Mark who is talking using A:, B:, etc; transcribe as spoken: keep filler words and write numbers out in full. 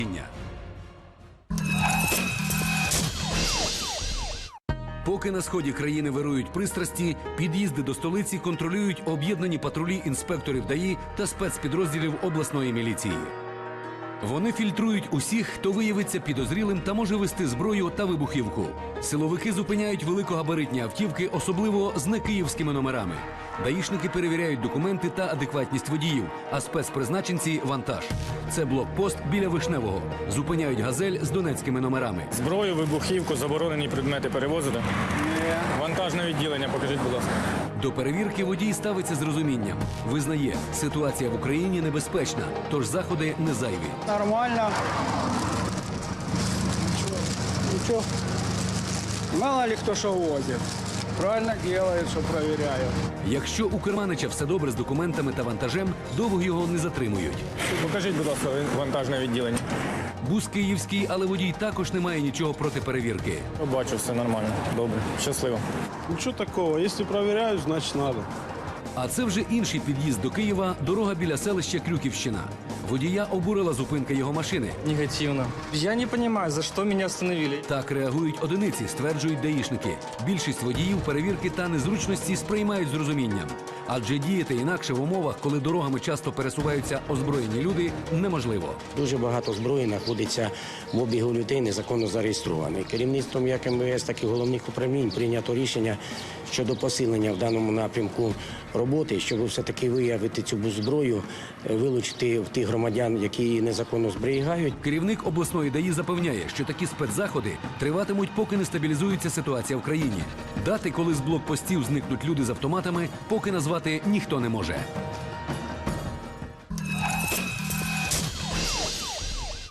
A: Поки на сході країни вирують пристрасті, під'їзди до столиці контролюють об'єднані патрулі інспекторів ДАІ та спецпідрозділів обласної міліції. Вони фільтрують усіх, хто виявиться підозрілим та може вести зброю та вибухівку. Силовики зупиняють великогабаритні автівки, особливо з некиївськими номерами. Даїшники перевіряють документи та адекватність водіїв, а спецпризначенці – вантаж. Це блокпост біля Вишневого. Зупиняють «Газель» з донецькими номерами.
B: Зброю, вибухівку, заборонені предмети перевозити? Ні. Вантажне відділення, покажіть, будь ласка.
A: До перевірки водій ставиться з розумінням. Визнає, ситуація в Україні небезпечна, тож заходи не зайві.
C: Нормально. Ничего. Мало ли кто что возит. Правильно делает, что проверяют.
A: Якщо у керманича все добре з документами та вантажем, довго його не затримують.
B: Покажіть, будь ласка, вантажне відділення.
A: Бус київський, але водій також не має нічого проти перевірки.
B: Бачу, все нормально. Добре. Щасливо.
D: Ничего такого. Если проверяют, значит надо.
A: А це вже інший під'їзд до Києва, дорога біля селища Крюківщина. Водія обурила зупинка його машини.
E: Негативно. Я не понимаю, за что меня остановили.
A: Так реагують одиниці, стверджують даїшники. Більшість водіїв перевірки та незручності сприймають з розумінням. Адже діяти інакше в умовах, коли дорогами часто пересуваються озброєні люди, неможливо.
F: Дуже багато зброї знаходиться в обігу людей, незаконно зареєстрованої. Керівництвом як ем ве ес, так і головних управлінь прийнято рішення щодо посилення в даному напрямку роботи, щоб все-таки виявити цю зброю, вилучити в тих громадян, які її незаконно зберігають.
A: Керівник обласної ДАІ запевняє, що такі спецзаходи триватимуть, поки не стабілізується ситуація в країні. Дати, коли з блокпостів зникнуть люди з автоматами, поки назвати ніхто не може.